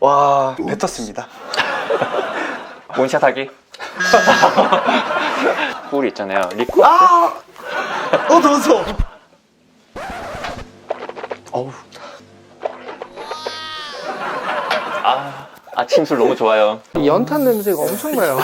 와, 뱉었습니다. 원샷 하기? 꿀 있잖아요. 리코스? 넣었어. 어우. 아침 술 너무 좋아요. 이 연탄 냄새가 엄청나요.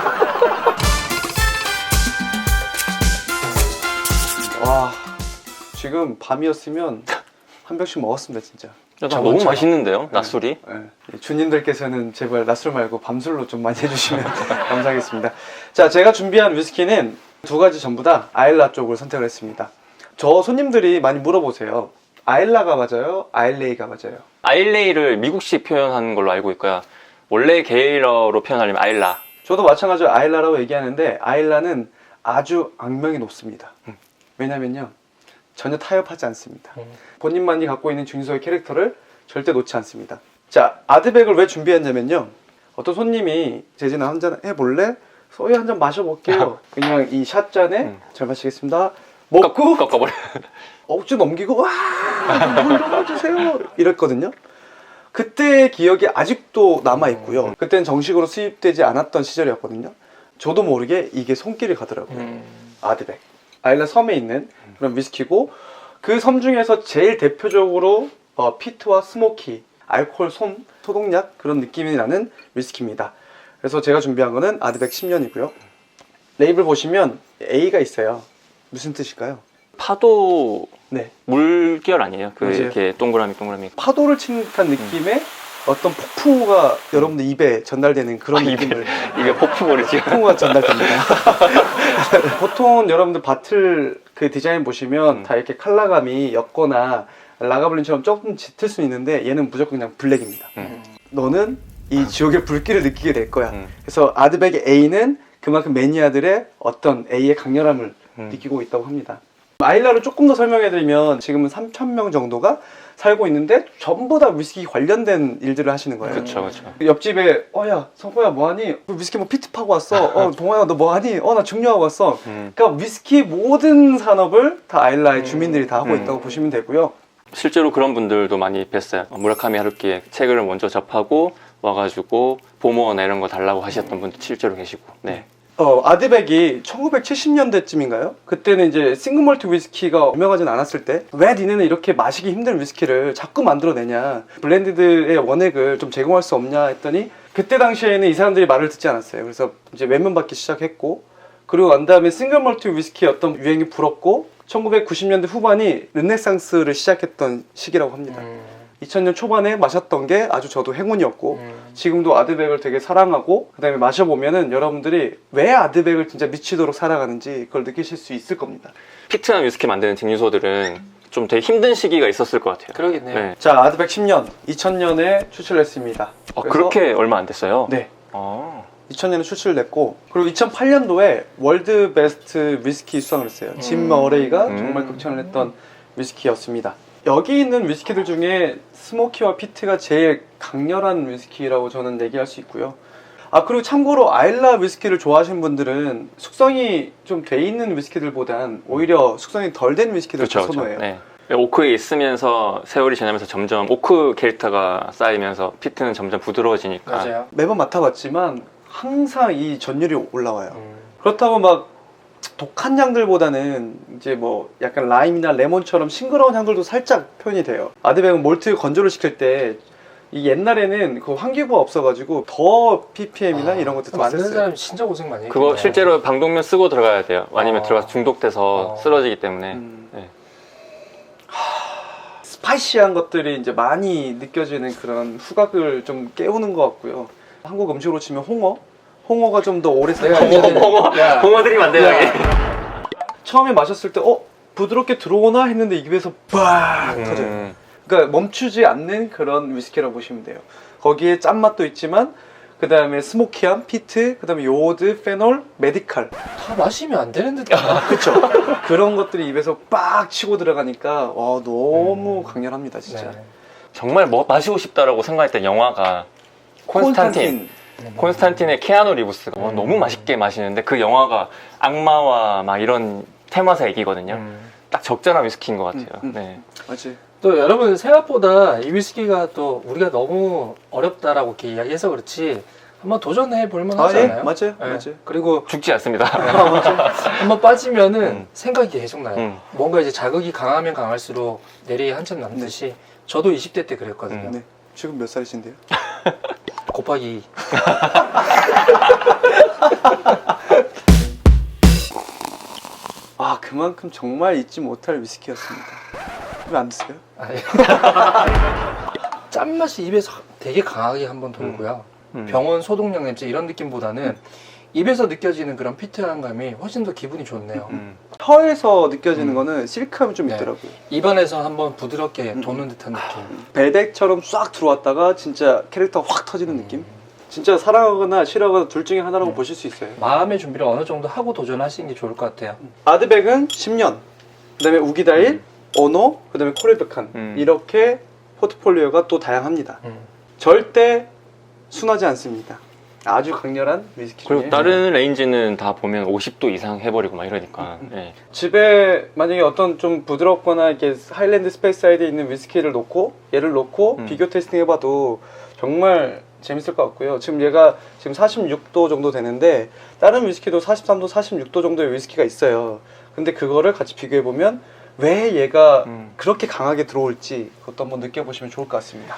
와, 지금 밤이었으면 한 병씩 먹었습니다, 진짜. 너무 맛있는데요, 낮술이? 네. 주님들께서는 제발 낮술 말고 밤술로 좀 많이 해주시면 감사하겠습니다. 자, 제가 준비한 위스키는 두 가지 전부 다 아일라 쪽을 선택을 했습니다. 저 손님들이 많이 물어보세요. 아일라가 맞아요? 아일레이가 맞아요? 아일레이를 미국식 표현하는 걸로 알고 있고요. 원래 게일러로 표현하려면 아일라. 저도 마찬가지로 아일라라고 얘기하는데 아일라는 아주 악명이 높습니다. 왜냐면요, 전혀 타협하지 않습니다. 본인만이 갖고 있는 중소의 캐릭터를 절대 놓지 않습니다. 자, 아드백을 왜 준비했냐면요, 어떤 손님이 재진아 한잔 해볼래? 소유 한잔 마셔볼게요. 그냥 이 샷잔에 잘 마시겠습니다 먹고 꺾어버려. 억지 넘기고 와 물 넣어주세요 이랬거든요. 그때의 기억이 아직도 남아있고요. 그때는 정식으로 수입되지 않았던 시절이었거든요. 저도 모르게 이게 손길이 가더라고요. 아드백, 아일라 섬에 있는 그런 위스키고, 그 섬 중에서 제일 대표적으로 피트와 스모키, 알코올 솜, 소독약 그런 느낌이 나는 위스키입니다. 그래서 제가 준비한 거는 아드백 10년이고요 레이블 보시면 A가 있어요. 무슨 뜻일까요? 파도 네, 물결 아니에요? 그 맞아요. 이렇게 동그라미. 파도를 친 듯한 느낌의 어떤 폭풍우가 여러분들 입에 전달되는 그런 느낌을. 이게 폭풍우리지. 폭풍우가 전달됩니다. 보통 여러분들 바틀 그 디자인 보시면 다 이렇게 컬러감이 옅거나 라가블린처럼 조금 짙을 수 있는데 얘는 무조건 그냥 블랙입니다. 너는 이 지옥의 불길을 느끼게 될 거야. 그래서 아드백의 A는 그만큼 매니아들의 어떤 A의 강렬함을 느끼고 있다고 합니다. 아일라를 조금 더 설명해드리면 지금은 3,000명 정도가 살고 있는데 전부 다 위스키 관련된 일들을 하시는 거예요. 그렇죠. 옆집에 야 성호야 뭐하니? 위스키 뭐 피트 파고 왔어. 동아야 너 뭐하니? 나 증류하고 왔어. 그러니까 위스키 모든 산업을 다 아일라의 주민들이 다 하고 있다고 보시면 되고요. 실제로 그런 분들도 많이 뵀어요. 무라카미 하루키의 책을 먼저 접하고 와가지고 보모나 이런 거 달라고 하셨던 분도 실제로 계시고. 네. 아드백이 1970년대쯤인가요? 그때는 이제 싱글몰트 위스키가 유명하진 않았을 때, 왜 니네는 이렇게 마시기 힘든 위스키를 자꾸 만들어내냐, 블렌디드의 원액을 좀 제공할 수 없냐 했더니, 그때 당시에는 이 사람들이 말을 듣지 않았어요. 그래서 이제 외면받기 시작했고, 그리고 난 다음에 싱글몰트 위스키의 어떤 유행이 불었고, 1990년대 후반이 르네상스를 시작했던 시기라고 합니다. 2000년 초반에 마셨던 게 아주 저도 행운이었고, 지금도 아드백을 되게 사랑하고, 그 다음에 마셔보면은 여러분들이 왜 아드백을 진짜 미치도록 사랑하는지 그걸 느끼실 수 있을 겁니다. 피트한 위스키 만드는 증류소들은 좀 되게 힘든 시기가 있었을 것 같아요. 그러겠네요. 네. 자, 아드백 10년 2000년에 출시했습니다. 그렇게 얼마 안 됐어요? 네, 아. 2000년에 출시를 냈고, 그리고 2008년도에 월드 베스트 위스키 수상을 했어요. 짐 머레이가 정말 극찬을 했던 위스키였습니다. 여기 있는 위스키들 중에 스모키와 피트가 제일 강렬한 위스키라고 저는 얘기할 수 있고요. 그리고 참고로 아일라 위스키를 좋아하시는 분들은 숙성이 좀 돼 있는 위스키들보단 오히려 숙성이 덜 된 위스키들을 선호해요. 네. 오크에 있으면서 세월이 지나면서 점점 오크 캐릭터가 쌓이면서 피트는 점점 부드러워지니까. 맞아요. 매번 맡아봤지만 항상 이 전율이 올라와요. 그렇다고 막 독한 향들보다는 이제 뭐 약간 라임이나 레몬처럼 싱그러운 향들도 살짝 표현이 돼요. 아드백은 몰트 건조를 시킬 때 이 옛날에는 그 환기구가 없어가지고 더 ppm이나 이런 것도 만드는 썼어요. 사람 진짜 고생 많이 했겠네요. 그거 실제로 방독면 쓰고 들어가야 돼요. 아니면 들어가서 중독돼서 쓰러지기 때문에. 네. 스파이시한 것들이 이제 많이 느껴지는 그런 후각을 좀 깨우는 것 같고요. 한국 음식으로 치면 홍어가 좀 더 오래 홍어들이 만들어. 처음에 마셨을 때 부드럽게 들어오나 했는데 입에서 빡 터져요. 그러니까 멈추지 않는 그런 위스키라고 보시면 돼요. 거기에 짠맛도 있지만 그 다음에 스모키함, 피트, 그 다음에 요오드, 페놀, 메디칼, 다 마시면 안 되는 듯. 그쵸? 그런 것들이 입에서 빡 치고 들어가니까 너무 강렬합니다 진짜. 네. 정말 마시고 싶다라고 생각했던 영화가 콘스탄틴의 케아누 리브스가 너무 맛있게 마시는데, 그 영화가 악마와 막 이런 테마사 얘기거든요. 딱 적절한 위스키인 것 같아요. 네. 맞지. 또 여러분 생각보다 이 위스키가 또 우리가 너무 어렵다라고 이렇게 이야기해서 그렇지 한번 도전해 볼 만하지 않아요? 맞아요. 네. 맞아요. 그리고 죽지 않습니다. 한번 빠지면은 생각이 계속 나요. 음. 뭔가 이제 자극이 강하면 강할수록 내리에 한참 남듯이 저도 20대 때 그랬거든요. 네. 지금 몇 살이신데요? 곱하기 아, 그만큼 정말 잊지 못할 위스키였습니다. 왜 안 드세요? 아니. 짠맛이 입에서 되게 강하게 한번 돌고요. 병원 소독약 냄새 이런 느낌보다는 입에서 느껴지는 그런 피트한 감이 훨씬 더 기분이 좋네요. 혀에서 느껴지는 거는 실크함이 좀 네. 있더라고요. 입안에서 한번 부드럽게 도는 듯한 느낌. 벨덱처럼 싹 들어왔다가 진짜 캐릭터가 확 터지는 느낌? 진짜 사랑하거나 싫어하거나 둘 중에 하나라고 보실 수 있어요. 마음의 준비를 어느 정도 하고 도전하시는 게 좋을 것 같아요. 아드백은 10년, 그 다음에 우기다일, 오노, 그 다음에 코레백한 이렇게 포트폴리오가 또 다양합니다. 절대 순하지 않습니다. 아주 강렬한 위스키 중에 그리고 다른 레인지는 다 보면 50도 이상 해버리고 막 이러니까. 네. 집에 만약에 어떤 좀 부드럽거나 이렇게 하일랜드 스페이스사이드에 있는 위스키를 놓고 얘를 놓고 비교 테스팅 해봐도 정말 재밌을 것 같고요. 지금 얘가 지금 46도 정도 되는데 다른 위스키도 43도, 46도 정도의 위스키가 있어요. 근데 그거를 같이 비교해보면 왜 얘가 그렇게 강하게 들어올지 그것도 한번 느껴보시면 좋을 것 같습니다.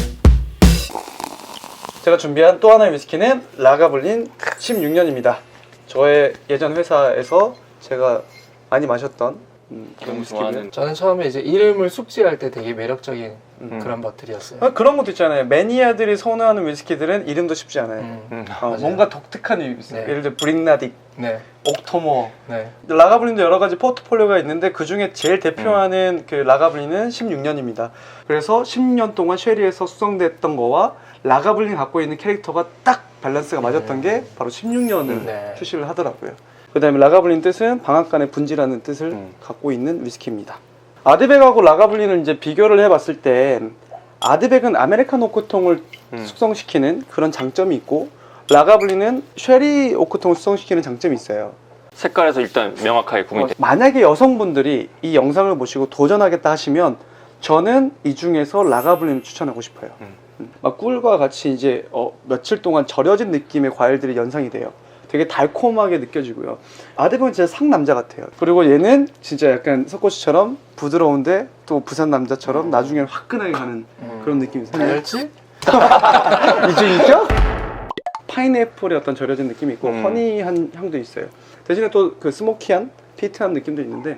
제가 준비한 또 하나의 위스키는 라가블린 16년입니다. 저의 예전 회사에서 제가 많이 마셨던 그런 위스키고요. 좋아하는- 저는 처음에 이제 이름을 숙지할 때 되게 매력적인 그런 것들이었어요. 그런 것도 있잖아요. 매니아들이 선호하는 위스키들은 이름도 쉽지 않아요. 맞아요. 뭔가 독특한 위스키. 네. 예를 들어 브릭나딕, 네, 옥토머, 네. 라가블린도 여러 가지 포트폴리오가 있는데 그 중에 제일 대표하는 그 라가블린은 16년입니다. 그래서 10년 동안 쉐리에서 숙성됐던 거와 라가블린 갖고 있는 캐릭터가 딱 밸런스가 맞았던 게 바로 16년을 네. 출시를 하더라고요. 그 다음에 라가블린 뜻은 방앗간의 분지라는 뜻을 갖고 있는 위스키입니다. 아드백하고 라가블린을 이제 비교를 해봤을 때 아드백은 아메리카노 오크통을 숙성시키는 그런 장점이 있고 라가블린은 쉐리 오크통을 숙성시키는 장점이 있어요. 색깔에서 일단 명확하게 구분이 돼. 만약에 여성분들이 이 영상을 보시고 도전하겠다 하시면 저는 이 중에서 라가블린을 추천하고 싶어요. 막 꿀과 같이 이제 며칠 동안 절여진 느낌의 과일들이 연상이 돼요. 되게 달콤하게 느껴지고요. 아드백은 진짜 상남자 같아요. 그리고 얘는 진짜 약간 석고씨처럼 부드러운데 또 부산 남자처럼 나중에는 화끈하게 가는 그런 느낌이 있어요. 알지? 이중이죠? 파인애플의 어떤 절여진 느낌이 있고 허니한 향도 있어요. 대신에 또 그 스모키한 피트한 느낌도 있는데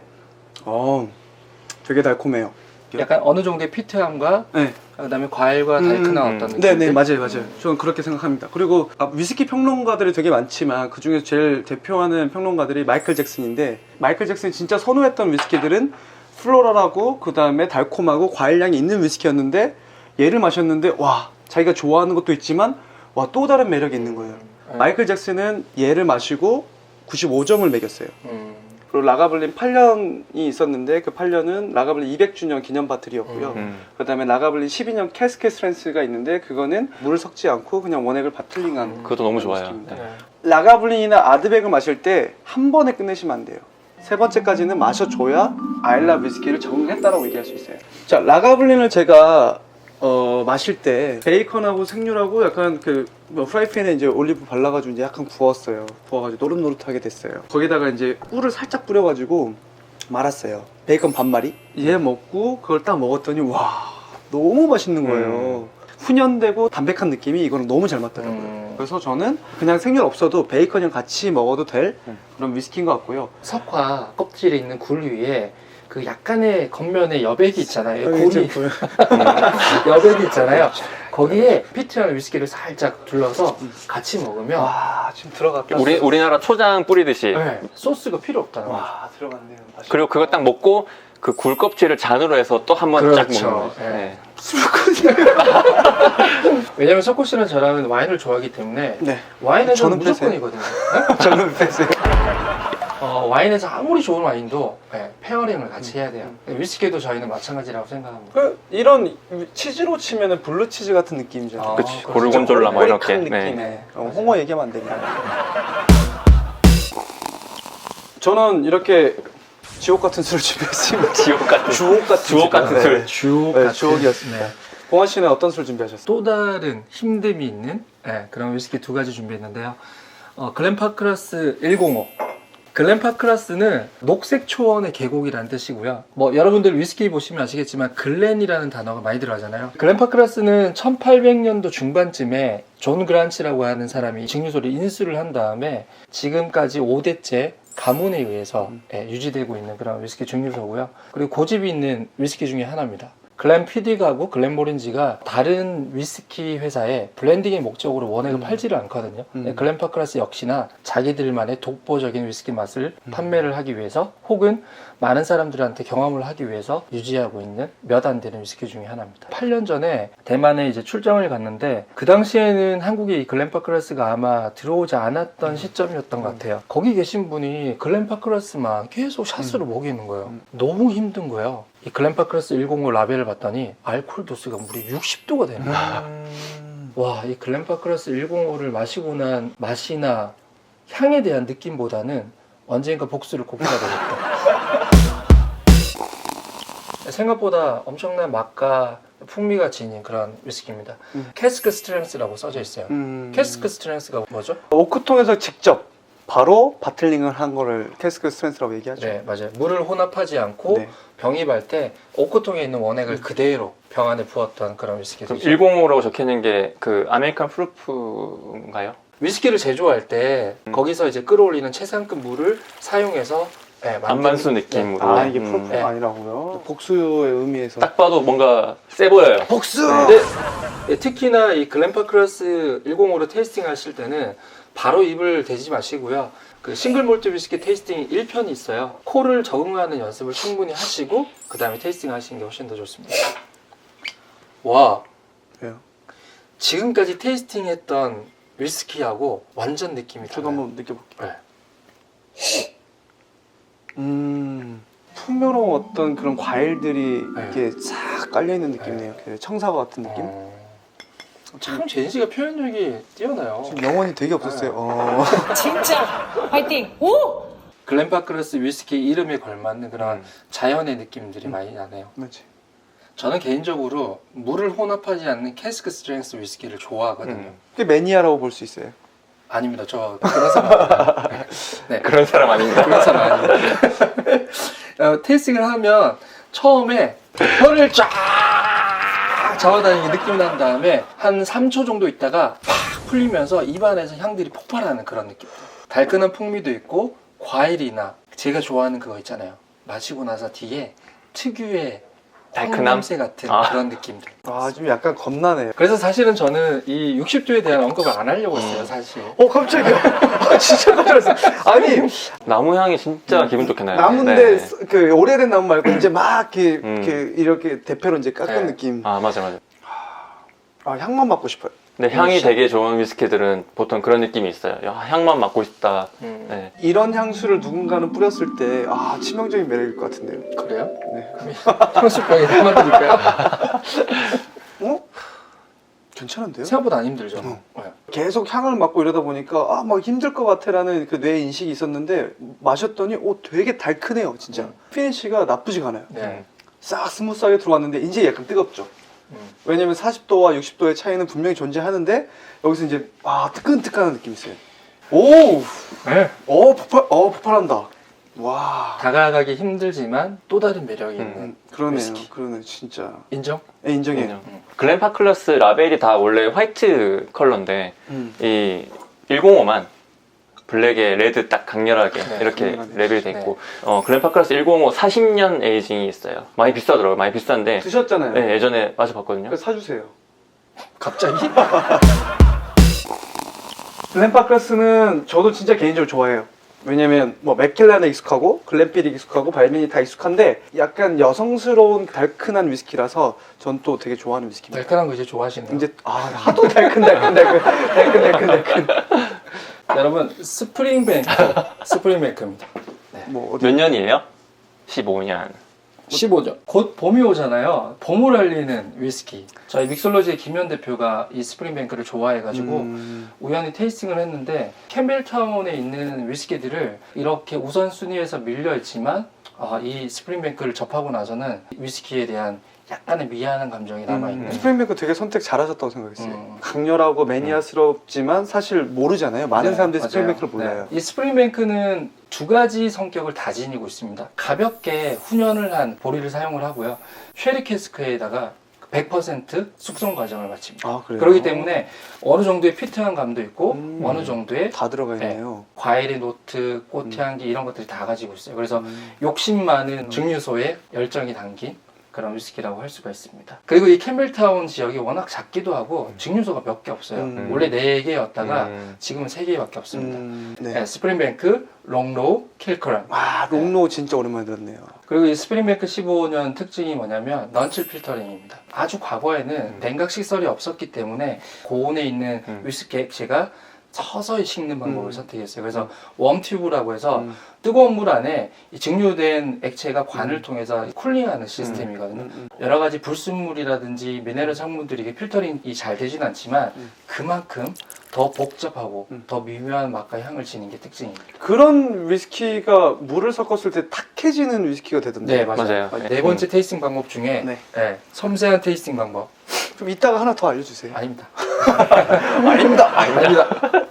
되게 달콤해요. 약간 어느 정도의 피트함과 네. 그다음에 과일과 달큰한 어떤 느낌. 네네 맞아요. 저는 그렇게 생각합니다. 그리고 위스키 평론가들이 되게 많지만 그 중에서 제일 대표하는 평론가들이 마이클 잭슨인데 마이클 잭슨이 진짜 선호했던 위스키들은 플로럴하고 그 다음에 달콤하고 과일향이 있는 위스키였는데 얘를 마셨는데 와 자기가 좋아하는 것도 있지만 와 또 다른 매력이 있는 거예요. 마이클 잭슨은 얘를 마시고 95점을 매겼어요. 그리고 라가블린 8년이 있었는데 그 8년은 라가블린 200주년 기념 바틀이었고요. 그 다음에 라가블린 12년 캐스켓 스트렝스가 있는데 그거는 물을 섞지 않고 그냥 원액을 바틀링한 그것도 너무 좋아요. 위스키입니다. 네. 라가블린이나 아드백을 마실 때 한 번에 끝내시면 안 돼요. 세 번째까지는 마셔줘야 아일라 위스키를 적응했다라고 얘기할 수 있어요. 자, 라가블린을 제가 마실 때 베이컨하고 생률하고 약간 프라이팬에 이제 올리브 발라가지고 이제 약간 구웠어요. 구워가지고 노릇노릇하게 됐어요. 거기다가 이제 꿀을 살짝 뿌려가지고 말았어요. 베이컨 반마리. 얘 먹고 그걸 딱 먹었더니 와 너무 맛있는 거예요. 훈연되고 담백한 느낌이 이거는 너무 잘 맞더라고요. 그래서 저는 그냥 생률 없어도 베이컨이랑 같이 먹어도 될 그런 위스키인 것 같고요. 석화 껍질에 있는 굴 위에 그 약간의 겉면에 여백이 있잖아요. 굴이 여백이 있잖아요. 거기에 피트한 위스키를 살짝 둘러서 같이 먹으면 와 지금 들어갔다. 우리나라 초장 뿌리듯이. 네, 소스가 필요 없다는 거죠. 와 들어갔네요. 맛있- 그리고 그거 딱 먹고 그 굴 껍질을 잔으로 해서 또 한 번 쫙 그렇죠. 먹는 거죠. 네. 네. 왜냐면 석호 씨는 저랑은 와인을 좋아하기 때문에 네. 와인에서는 저는 무조건이거든요. 저는 뺐어요. 와인에서 아무리 좋은 와인도 페어링을 같이 해야 돼요. 위스키도 저희는 마찬가지라고 생각합니다. 이런 치즈로 치면은 블루 치즈 같은 느낌이잖아요. 그치. 그렇죠. 고르곤졸라 뭐 이렇게. 꼬릭한 느낌. 네. 홍어 얘기하면 안 됩니다. 저는 이렇게 지옥 같은 술을 준비했습니다. 지옥 같은 주옥 같은 술. 주옥 네, 같은 주옥이었습니다. 네. 봉환 씨는 어떤 술 준비하셨어요? 또 다른 힘듦이 있는 그런 위스키 두 가지 준비했는데요. 글렌파크라스 105. 글렌파크라스는 녹색 초원의 계곡이라는 뜻이고요. 뭐 여러분들 위스키 보시면 아시겠지만 글렌이라는 단어가 많이 들어가잖아요. 글렌파크라스는 1800년도 중반쯤에 존 그란치라고 하는 사람이 증류소를 인수를 한 다음에 지금까지 5대째 가문에 의해서 유지되고 있는 그런 위스키 증류소고요. 그리고 고집이 있는 위스키 중에 하나입니다. 글렌피딕하고 글렌모린지가 다른 위스키 회사에 블렌딩의 목적으로 원액을 팔지를 않거든요. 글렌파크라스 역시나 자기들만의 독보적인 위스키 맛을 판매를 하기 위해서 혹은 많은 사람들한테 경험을 하기 위해서 유지하고 있는 몇 안 되는 위스키 중에 하나입니다. 8년 전에 대만에 이제 출장을 갔는데 그 당시에는 한국에 이 글렌파크라스가 아마 들어오지 않았던 시점이었던 것 같아요. 거기 계신 분이 글렌파크라스만 계속 샷으로 먹이는 거예요. 너무 힘든 거예요. 이 글렌파크라스 105 라벨을 봤더니 알코올 도수가 무려 60도가 되는 거예요. 와, 이 글렌파크라스 105를 마시고 난 맛이나 향에 대한 느낌보다는 언젠가 복수를 고프가 되겠다. 생각보다 엄청난 맛과 풍미가 지닌 그런 위스키입니다. 캐스크 스트렝스라고 써져 있어요. 캐스크 스트렝스가 뭐죠? 오크통에서 직접 바로 바틀링을 한 거를 캐스크 스트렝스라고 얘기하죠. 네, 맞아요. 물을 혼합하지 않고 네. 병입할 때 오크통에 있는 원액을 그대로 병 안에 부었던 그런 위스키죠. 105라고 적혀있는 게 그 아메리칸 프루프인가요? 위스키를 제조할 때 거기서 이제 끌어올리는 최상급 물을 사용해서 안반수 느낌으로. 아, 이게 프로포가 네. 아니라고요? 복수의 의미에서. 딱 봐도 뭔가 세 보여요. 복수! 네, 특히나 이 글렌파크라스 105로 테이스팅 하실 때는 바로 입을 대지 마시고요. 그 싱글 몰트 위스키 테이스팅 1편이 있어요. 코를 적응하는 연습을 충분히 하시고 그 다음에 테이스팅 하시는 게 훨씬 더 좋습니다. 와, 왜요? 지금까지 테이스팅 했던 위스키하고 완전 느낌이 저도 달라요. 한번 느껴볼게요. 네. 풍요로운 어떤 그런 과일들이 네. 이렇게 싹 깔려있는 느낌이네요. 그 청사과 같은 느낌? 참 제인 씨가 표현력이 뛰어나요. 지금 영혼이 되게 없었어요. 진짜 화이팅! 오! 글렌파크라스 위스키 이름에 걸맞는 그런 자연의 느낌들이 많이 나네요. 맞지. 저는 개인적으로 물을 혼합하지 않는 캐스크 스트렝스 위스키를 좋아하거든요. 그게 매니아라고 볼 수 있어요. 아닙니다. 저 그런 사람 아니에요. 네. 그런 사람 아닙니다. 그런 사람 아닙니다. 테이스팅을 하면 처음에 혀를 쫙 잡아다니는 느낌이 난 다음에 한 3초 정도 있다가 팍 풀리면서 입안에서 향들이 폭발하는 그런 느낌. 달큰한 풍미도 있고 과일이나 제가 좋아하는 그거 있잖아요. 마시고 나서 뒤에 특유의 달큰함? 냄새 같은 그런 느낌들. 아, 좀 약간 겁나네요. 그래서 사실은 저는 이 60도에 대한 언급을 안 하려고 했어요, 사실. 깜짝이야. 아, 진짜 깜짝 놀랐어요. 아니, 나무 향이 진짜 기분 좋게 나요. 나무인데, 네. 그, 오래된 나무 말고, 이제 막, 이렇게 대패로 이제 깎은 네. 느낌. 아, 맞아. 아, 향만 맡고 싶어요. 근데 향이 되게 좋은 위스키들은 보통 그런 느낌이 있어요. 야, 향만 맡고 싶다. 네. 이런 향수를 누군가는 뿌렸을 때, 아, 치명적인 매력일 것 같은데요. 그래요? 네. 향수병에 한번 드릴까요? 어? 괜찮은데요? 생각보다 안 힘들죠. 네. 계속 향을 맡고 이러다 보니까, 아, 막 힘들 것 같아라는 그 뇌 인식이 있었는데, 마셨더니, 되게 달큰해요, 진짜. 피니쉬가 나쁘지가 않아요. 네. 싹 스무스하게 들어왔는데, 이제 약간 뜨겁죠. 왜냐면 40도와 60도의 차이는 분명히 존재하는데 여기서 이제 뜨끈뜨끈한 느낌이 있어요. 오! 네. 폭발한다. 와. 다가가기 힘들지만 또 다른 매력이 있는 그러네요. 위스키. 그러네, 진짜. 인정? 네, 인정해요. 글렌파클러스 라벨이 다 원래 화이트 컬러인데 이 105만 블랙에 레드 딱 강렬하게 네, 이렇게 강렬하게. 레벨이 돼 있고 글렌파클러스 105 40년 에이징이 있어요. 많이 비싸더라고요. 많이 비싼데 드셨잖아요. 네, 예전에 마셔봤거든요. 그래서 사주세요. 갑자기? 글렌파크라스는 저도 진짜 개인적으로 좋아해요. 왜냐면 뭐 맥켈란에 익숙하고 글렌피딕 익숙하고 발민이 다 익숙한데 약간 여성스러운 달큰한 위스키라서 전 또 되게 좋아하는 위스키입니다. 달큰한 거 이제 좋아하시네요. 이제 하도 달큰. 여러분 스프링뱅크입니다. 뭐 어디 몇 년이에요? 15년. 15년. 곧 봄이 오잖아요. 봄을 알리는 위스키. 저희 믹솔로지의 김현 대표가 이 스프링뱅크를 좋아해가지고 우연히 테이스팅을 했는데 캠벨타운에 있는 위스키들을 이렇게 우선순위에서 밀려있지만 이 스프링뱅크를 접하고 나서는 위스키에 대한 약간의 미안한 감정이 남아있는. 스프링뱅크 되게 선택 잘하셨다고 생각했어요. 음. 강렬하고 매니아스럽지만 사실 모르잖아요. 많은 네, 사람들이 맞아요. 스프링뱅크를 몰라요. 네. 이 스프링뱅크는 두 가지 성격을 다 지니고 있습니다. 가볍게 훈연을 한 보리를 사용을 하고요. 쉐리 캐스크에다가 100% 숙성 과정을 마칩니다. 아, 그래요? 그렇기 때문에 어느 정도의 피트한 감도 있고 음. 어느 정도의 다 들어가 있네요. 과일의 노트, 꽃향기 이런 것들이 다 가지고 있어요. 그래서 욕심 많은 증류소에 열정이 담긴 그런 위스키라고 할 수가 있습니다. 그리고 이 캠벨타운 지역이 워낙 작기도 하고 증류소가 몇 개 없어요. 원래 4개였다가 지금은 3개밖에 없습니다. 네. 네, 스프링뱅크, 롱로우, 킬커런. 와, 롱로 진짜 오랜만에 들었네요. 그리고 이 스프링뱅크 15년 특징이 뭐냐면 넌칠 필터링입니다. 아주 과거에는 냉각 식설이 없었기 때문에 고온에 있는 위스키 액체가 서서히 식는 방법을 선택했어요. 그래서 웜튜브라고 해서 뜨거운 물 안에 이 증류된 액체가 관을 통해서 쿨링하는 시스템이거든요. 여러 가지 불순물이라든지 미네랄 성분들이 이게 필터링이 잘 되진 않지만 그만큼 더 복잡하고 더 미묘한 맛과 향을 지닌 게 특징입니다. 그런 위스키가 물을 섞었을 때 탁해지는 위스키가 되던데. 네, 맞아요. 맞아요. 네 번째 테이스팅 방법 중에 네. 섬세한 테이스팅 방법. 좀 이따가 하나 더 알려주세요. 아닙니다. 아닙니다. 아닙니다.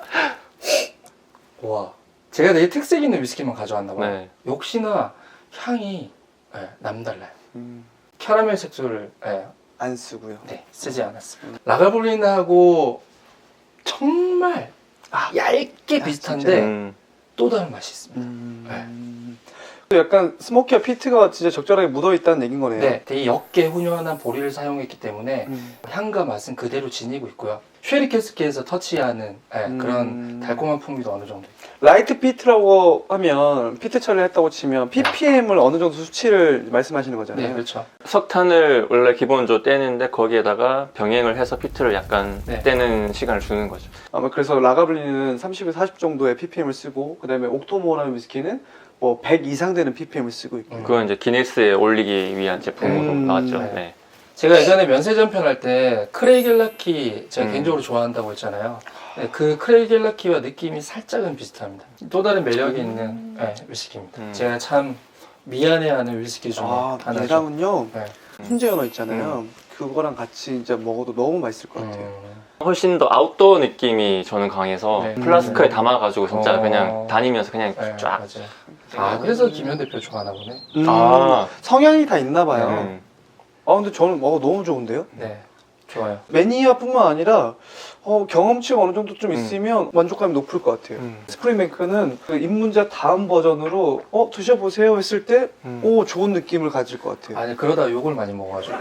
와, 제가 되게 특색 있는 위스키만 가져왔나 봐요. 네. 역시나 향이 남달라요. 음, 캐러멜 색소를 안 쓰고요. 쓰지 않았습니다. 라가블린하고 정말 얇게 비슷한데 또 다른 맛이 있습니다. 약간 스모키와 피트가 진짜 적절하게 묻어있다는 얘긴 거네요. 네, 되게 옅게 훈연한 보리를 사용했기 때문에 향과 맛은 그대로 지니고 있고요. 쉐리 캐스키에서 터치하는 그런 달콤한 풍미도 어느 정도 있고. 라이트 피트라고 하면 피트 처리를 했다고 치면 ppm을 어느 정도 수치를 말씀하시는 거잖아요. 네, 그렇죠. 석탄을 원래 기본적으로 떼는데 거기에다가 병행을 해서 피트를 약간 떼는 시간을 주는 거죠. 아마 그래서 라가블린은 30에서 40 정도의 ppm을 쓰고 그다음에 옥토모어라는 위스키는 뭐 100 이상 되는 ppm을 쓰고 있고. 그건 이제 기네스에 올리기 위한 제품으로 나왔죠. 네. 네. 제가 예전에 면세전편 할 때 크레이겔라키 제가 개인적으로 좋아한다고 했잖아요. 네, 그 크레이겔라키와 느낌이 살짝은 비슷합니다. 또 다른 매력이 있는 위스키입니다. 제가 참 미안해하는 위스키 중에 하나죠. 얘랑은요 네. 훈제 연어 있잖아요. 그거랑 같이 이제 먹어도 너무 맛있을 것 같아요. 훨씬 더 아웃도어 느낌이 저는 강해서 네. 플라스크에 담아가지고 진짜 어. 그냥 다니면서 그냥 네, 쫙. 맞아요. 그래서 김현 대표 좋아하나 보네. 성향이 다 있나 봐요. 음. 근데 저는 너무 좋은데요? 네, 좋아요. 매니아뿐만 아니라 경험치가 어느 정도 좀 있으면 만족감이 높을 것 같아요. 스프링뱅크는 그 입문자 다음 버전으로 드셔보세요 했을 때 좋은 느낌을 가질 것 같아요. 아니 그러다 욕을 많이 먹어가지고.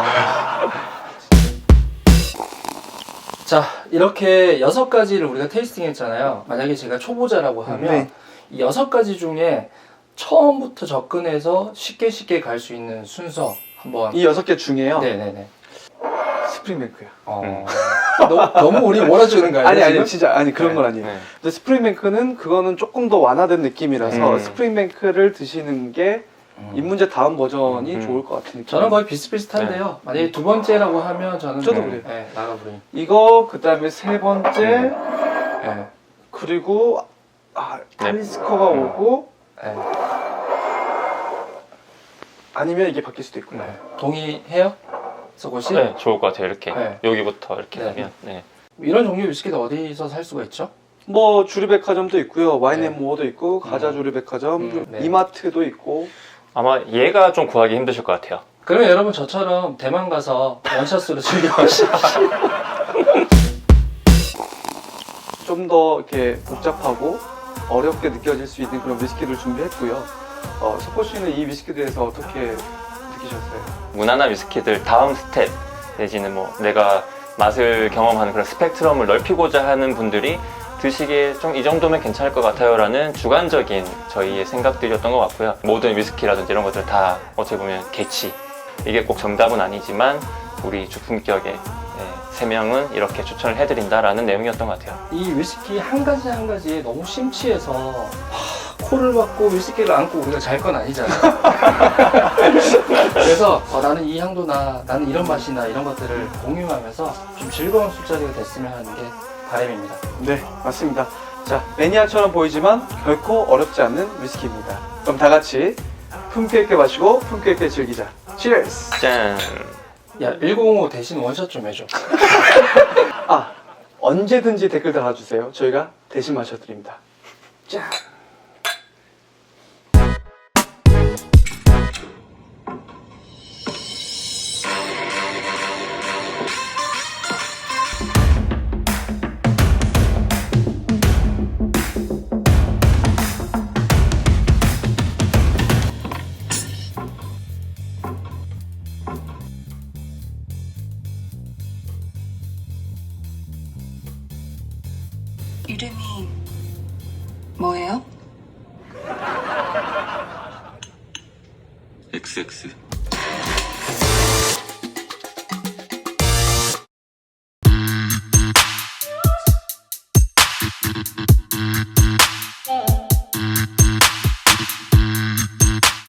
자, 이렇게 6가지를 우리가 테이스팅 했잖아요. 만약에 제가 초보자라고 하면 네. 이 6가지 중에 처음부터 접근해서 쉽게 갈 수 있는 순서 한번. 이 6개 중에요. 네네네. 스프링뱅크야. 너무 우리 몰아주는 거 아니에요? 아니 지금? 진짜 그런 네. 건 아니에요. 네. 근데 스프링뱅크는 그거는 조금 더 완화된 느낌이라서 스프링뱅크를 드시는 게 입문자 다음 버전이 좋을 것 같은 느낌. 저는 거의 비슷비슷한데요. 만약에 두 번째라고 하면 저는 저도 그래요. 네, 라가브린. 이거 그다음에 세 번째 네. 그리고 탈리스커가 오고 네. 아니면 이게 바뀔 수도 있고요. 네. 동의해요? 서고씨? 네, 좋을 것 같아요. 이렇게 네. 여기부터 이렇게 네. 하면. 네. 이런 종류 위스키도 어디서 살 수가 있죠? 뭐 주류백화점도 있고요, 네. 와인앤모어도 있고, 가자 주류백화점, 네. 이마트도 있고. 아마 얘가 좀 구하기 힘드실 것 같아요. 그러면 여러분 저처럼 대만 가서 원샷으로 즐겨보시죠. 좀 더 이렇게 복잡하고 어렵게 느껴질 수 있는 그런 위스키를 준비했고요. 석호 씨는 이 위스키에 대해서 어떻게 느끼셨어요? 무난한 위스키들 다음 스텝 내지는 뭐 내가 맛을 경험하는 그런 스펙트럼을 넓히고자 하는 분들이 드시기에 좀 이 정도면 괜찮을 것 같아요 라는 주관적인 저희의 생각들이었던 것 같고요. 모든 위스키라든지 이런 것들 다 어떻게 보면 개취, 이게 꼭 정답은 아니지만 우리 주품격의 3명은 이렇게 추천을 해드린다라는 내용이었던 것 같아요. 이 위스키 한 가지 한 가지에 너무 심취해서 코를 박고 위스키를 안고 우리가 잘 건 아니잖아요. 그래서 나는 이 향도나 나는 이런 맛이나 이런 것들을 공유하면서 좀 즐거운 술자리가 됐으면 하는 게 바람입니다. 네, 맞습니다. 자, 매니아처럼 보이지만 결코 어렵지 않는 위스키입니다. 그럼 다 같이 품격 있게 마시고 품격 있게 즐기자. Cheers. 짠. 야 105 대신 원샷 좀 해줘. 아, 언제든지 댓글 달아주세요. 저희가 대신 마셔드립니다. 짠. 이름이 뭐예요? XX